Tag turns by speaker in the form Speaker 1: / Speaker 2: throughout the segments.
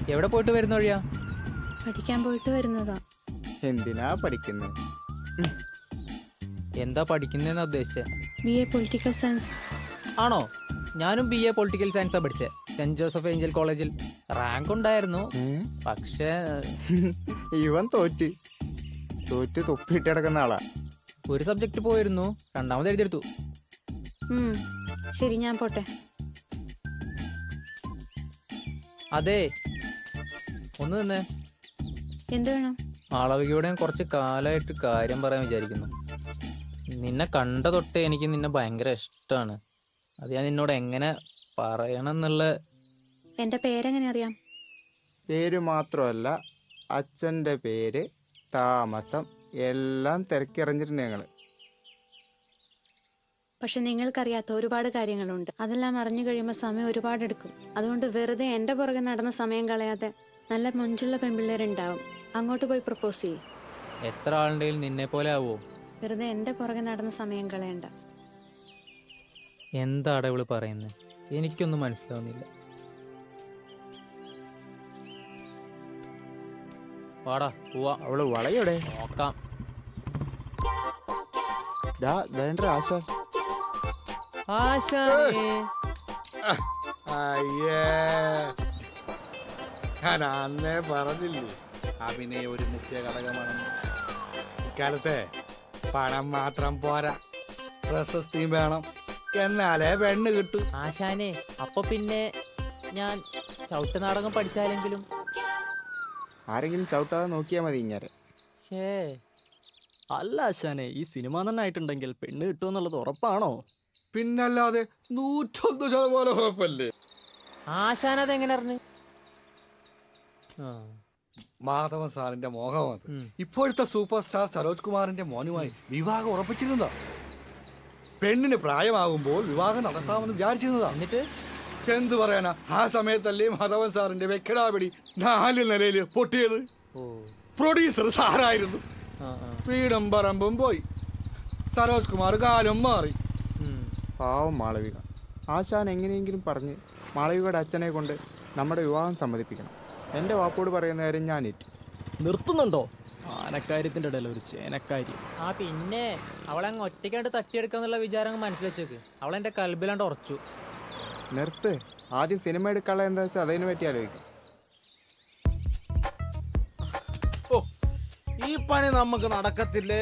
Speaker 1: എവിടെ പോയിട്ട് വരുന്ന വഴിയാ?
Speaker 2: പഠിക്കാൻ പോയിട്ട് വരുന്നതാ.
Speaker 3: എന്തിനാ പഠിക്കുന്നത്?
Speaker 1: എന്താ പഠിക്കുന്നതെന്നാ ഉദ്ദേശിച്ചേ?
Speaker 2: BA political science.
Speaker 1: ആണോ? ഞാനും BA പൊളിറ്റിക്കൽ സയൻസാ പഠിച്ചേ, സെന്റ് ജോസഫ് ഏഞ്ചൽ കോളേജിൽ. റാങ്ക് ഉണ്ടായിരുന്നു, പക്ഷേ
Speaker 3: ഇവൻ തോറ്റ് തൊപ്പിട്ട് കിടക്കുന്ന ആളാ.
Speaker 1: ഒരു സബ്ജക്ട് പോയിരുന്നു, രണ്ടാമത് എഴുതിയെടുത്തു.
Speaker 2: ശരി, ഞാൻ പോട്ടെ.
Speaker 1: അതെ, ഒന്ന് നിന്നേ.
Speaker 2: എന്ത് വേണം?
Speaker 1: മാളവികയോടെ കുറച്ച് കാലമായിട്ട് കാര്യം പറയാൻ വിചാരിക്കുന്നു. നിന്നെ കണ്ട തൊട്ടേ എനിക്ക് നിന്നെ ഭയങ്കര ഇഷ്ടമാണ്. അത് ഞാൻ നിന്നോട് എങ്ങനെ പറയണം എന്നുള്ള...
Speaker 2: എന്റെ പേരെങ്ങനെ അറിയാം?
Speaker 3: പേര് മാത്രമല്ല, അച്ഛൻ്റെ പേര്, താമസം എല്ലാം തിരക്കിറങ്ങിയിട്ടുണ്ട് ഞങ്ങൾ.
Speaker 2: പക്ഷെ നിങ്ങൾക്കറിയാത്ത ഒരുപാട് കാര്യങ്ങളുണ്ട്. അതെല്ലാം അറിഞ്ഞു കഴിയുമ്പോൾ സമയം ഒരുപാട് എടുക്കും. അതുകൊണ്ട് വെറുതെ എന്റെ പുറകെ നടന്ന സമയം കളയാതെ നല്ല മൊഞ്ചുള്ള പെൺപിള്ളേരുണ്ടാവും, അങ്ങോട്ട് പോയി പ്രപ്പോസ് ചെയ്യും.
Speaker 1: എത്ര ആളുണ്ടെങ്കിലും നിന്നെ പോലെ ആവോ?
Speaker 2: വെറുതെ എന്റെ പുറകെ നടന്ന സമയം കളയണ്ട.
Speaker 1: എന്താണ് ഇവള് പറയുന്നത്? എനിക്കൊന്നും മനസ്സിലാവുന്നില്ല. വാടാ പോവാ.
Speaker 3: അവള് വളയോടെ
Speaker 1: നോക്കാം.
Speaker 3: വേണ്ട ആശ.
Speaker 4: അയ്യേ, ഞാൻ അന്നേ പറഞ്ഞില്ലേ അഭിനയം ഒരു മുഖ്യ ഘടകമാണെന്ന്. ഇക്കാലത്തെ പണം മാത്രം പോരാ, പ്രശസ്തിയും വേണം, എന്നാലേ പെണ്ണ് കിട്ടും.
Speaker 1: ആശാനെ, അപ്പൊ പിന്നെ ഞാൻ ചവിട്ട് നാടകം പഠിച്ചാലെങ്കിലും?
Speaker 3: ആരെങ്കിലും ചവിട്ടാതെ നോക്കിയാൽ മതി ഇങ്ങനെ.
Speaker 5: അല്ല ആശാനെ, ഈ സിനിമ തന്നെ ആയിട്ടുണ്ടെങ്കിൽ പെണ്ണ് കിട്ടുമെന്നുള്ളത് ഉറപ്പാണോ?
Speaker 4: പിന്നല്ലാതെ 101% ഉറപ്പല്ലേ.
Speaker 1: ആശാനത് എങ്ങനെ അറിഞ്ഞു?
Speaker 4: മാധവൻ സാറിന്റെ മോഹമാണ്. ഇപ്പോഴത്തെ സൂപ്പർ സ്റ്റാർ സരോജ് കുമാറിന്റെ മോനുമായി വിവാഹം ഉറപ്പിച്ചിരുന്നതാ. പെണ്ണിന് പ്രായമാകുമ്പോൾ വിവാഹം നടത്താമെന്ന് വിചാരിച്ചിരുന്നതാ.
Speaker 1: എന്നിട്ട്
Speaker 4: എന്തു പറയാനാ, ആ സമയത്തല്ലേ മാധവൻ സാറിന്റെ വെക്കടാപിടി 4 നിലയില് പൊട്ടിയത്. പ്രൊഡ്യൂസർ സാറായിരുന്നു. വീടും പറമ്പും പോയി, സരോജ് കുമാർ കാലം മാറി.
Speaker 3: പാവം മാളവിക. ആശാൻ എങ്ങനെയെങ്കിലും പറഞ്ഞ് മാളവികയുടെ അച്ഛനെ കൊണ്ട് നമ്മുടെ വിവാഹം സമ്മതിപ്പിക്കണം. എൻ്റെ വാപ്പോട് പറയുന്ന കാര്യം ഞാൻ
Speaker 5: നിർത്തുന്നുണ്ടോ? ആനക്കാര്യത്തിന്റെ ഇടയിൽ ഒരു ചേനക്കാര്യം.
Speaker 1: പിന്നെ അവളങ്ങ് ഒറ്റയ്ക്കാണ്ട് തട്ടിയെടുക്കാന്നുള്ള വിചാരം മനസ്സിലെച്ചേക്ക്. അവളെന്റെ കൽബിലാണ്ട് ഉറച്ചു.
Speaker 3: നിർത്ത്. ആദ്യം സിനിമ എടുക്കാനുള്ള എന്താ വെച്ചാൽ അതിനെ പറ്റി ആലോചിക്കും.
Speaker 6: ഈ പണി നമുക്ക് നടക്കത്തില്ലേ?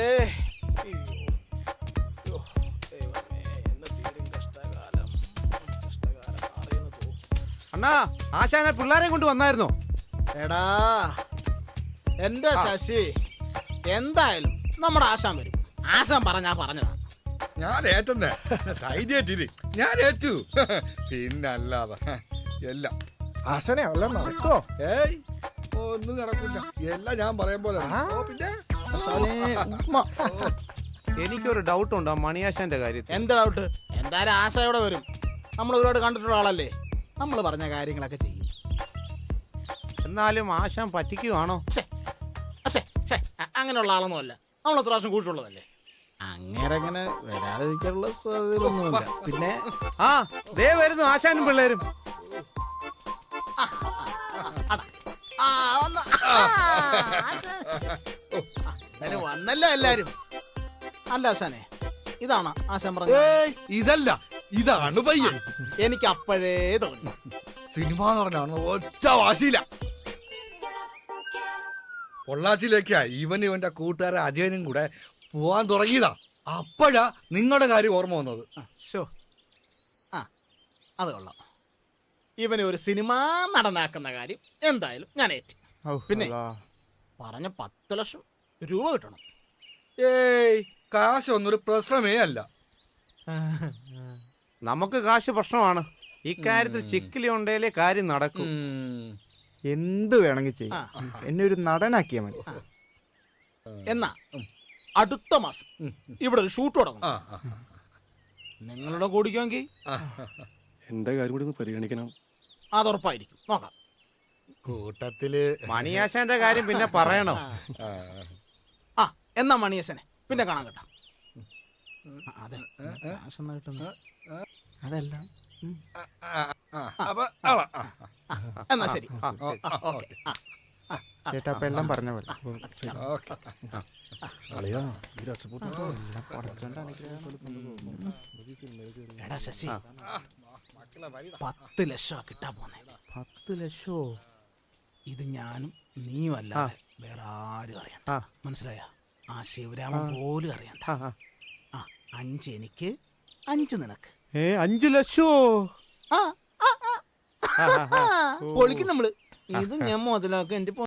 Speaker 4: അണ്ണാ, ആശാനെ പിള്ളേരെ കൊണ്ട് വന്നായിരുന്നോ?
Speaker 6: എടാ എന്റെ ശശി, എന്തായാലും നമ്മുടെ ആശാൻ വരും. ആശാൻ പറഞ്ഞതാ.
Speaker 4: ഞാൻ ഏറ്റേ ധൈര്യേറ്റിരി, ഞാൻ ഏറ്റു. പിന്നല്ലാതെ എല്ലാം
Speaker 6: ആശാനെ വല്ലതും നടക്കോ?
Speaker 4: ഏയ്, ഒന്നും നടക്കില്ല. എല്ലാം ഞാൻ പറയും പോലെ. പിന്നെ
Speaker 7: എനിക്കൊരു ഡൗട്ട് ഉണ്ട് മണിയാശാന്റെ കാര്യത്തിൽ.
Speaker 6: എന്ത് ഡൗട്ട്? എന്തായാലും ആശ ഇവിടെ വരും. നമ്മൾ ഒരുപാട് കണ്ടിട്ടുള്ള ആളല്ലേ, നമ്മൾ പറഞ്ഞ കാര്യങ്ങളൊക്കെ ചെയ്യും.
Speaker 7: എന്നാലും ആശാൻ പറ്റിക്കുവാണോ?
Speaker 6: അങ്ങനെയുള്ള ആളൊന്നും അല്ല, നമ്മൾ എത്ര പ്രാവശ്യം കൂട്ടുള്ളതല്ലേ. അങ്ങനെ വരാതിരിക്കാനുള്ള സാധ്യതയൊന്നുമില്ല. പിന്നെ
Speaker 7: ദേ വരുന്നു ആശാനും പിള്ളേരും.
Speaker 6: വന്നല്ലോ എല്ലാരും. അല്ല ആശാനെ, ഇതാണ് ആശാൻ പറഞ്ഞത്?
Speaker 4: ഇതല്ല, ഇതാണ് പയ്യൻ.
Speaker 6: എനിക്ക് അപ്പോഴേ തോന്നി.
Speaker 4: സിനിമ നടനാണ്, ഒറ്റ വാശിയില്ല. പൊള്ളാച്ചിയിലേക്കാ ഇവന്റെ കൂട്ടുകാരൻ അജയനും കൂടെ പോവാൻ തുടങ്ങിയതാ. അപ്പോഴാ നിങ്ങളുടെ കാര്യം ഓർമ്മ വന്നത്.
Speaker 6: അത് കൊള്ളാം. ഇവനെ ഒരു സിനിമ നടനാക്കുന്ന കാര്യം എന്തായാലും ഞാൻ ഏറ്റ്. പിന്നെ പറഞ്ഞ 10 ലക്ഷം രൂപ കിട്ടണം.
Speaker 4: ഏയ്, കാശൊന്നൊരു പ്രശ്നമേ അല്ല.
Speaker 7: നമുക്ക് കാശ് പ്രശ്നമാണ്. ഇക്കാര്യത്തിൽ ചിക്കിലി ഉണ്ടേലേ കാര്യം നടക്കും.
Speaker 3: എന്ത് വേണമെങ്കിൽ ചെയ്യും, എന്നെ ഒരു നടനാക്കിയാൽ മതി.
Speaker 6: എന്നാ അടുത്ത മാസം ഇവിടെ ഒരു ഷൂട്ട് തുടങ്ങും. നിങ്ങളുടെ കൂടിക്കുമെങ്കിൽ
Speaker 8: എന്റെ കാര്യം കൂടി ഒന്ന് പരിഗണിക്കണം.
Speaker 6: അതുറപ്പായിരിക്കും. നോക്കാം.
Speaker 4: കൂട്ടത്തില്
Speaker 7: മണിയാശാന്റെ കാര്യം പിന്നെ പറയണോ?
Speaker 6: എന്നാ മണിയശനെ പിന്നെ കാണാൻ കേട്ടോ.
Speaker 3: അതല്ല
Speaker 4: അപ്പൊ
Speaker 6: എന്നാ ശരി. ഓക്കെ.
Speaker 3: ചേട്ടാ അപ്പം എല്ലാം പറഞ്ഞ പോലെ
Speaker 8: കളിയാ ഈ രക്ഷപ്പെട്ടു
Speaker 6: എടാ ശശി, 10 ലക്ഷം കിട്ടാൻ പോന്നെ.
Speaker 3: 10 ലക്ഷോ?
Speaker 6: ഇത് ഞാനും നീയും അല്ലാതെ വേറെ ആരും അറിയണ്ട. മനസ്സിലായ? ആ ശിവരാമൻ പോലും അറിയണ്ട. 5 എനിക്ക്, 5 നിനക്ക്.
Speaker 3: 5 ലക്ഷോ?
Speaker 6: പൊളിക്കും നമ്മള്. ഇത് ഞാൻ മുതലാക്കും. എന്റെ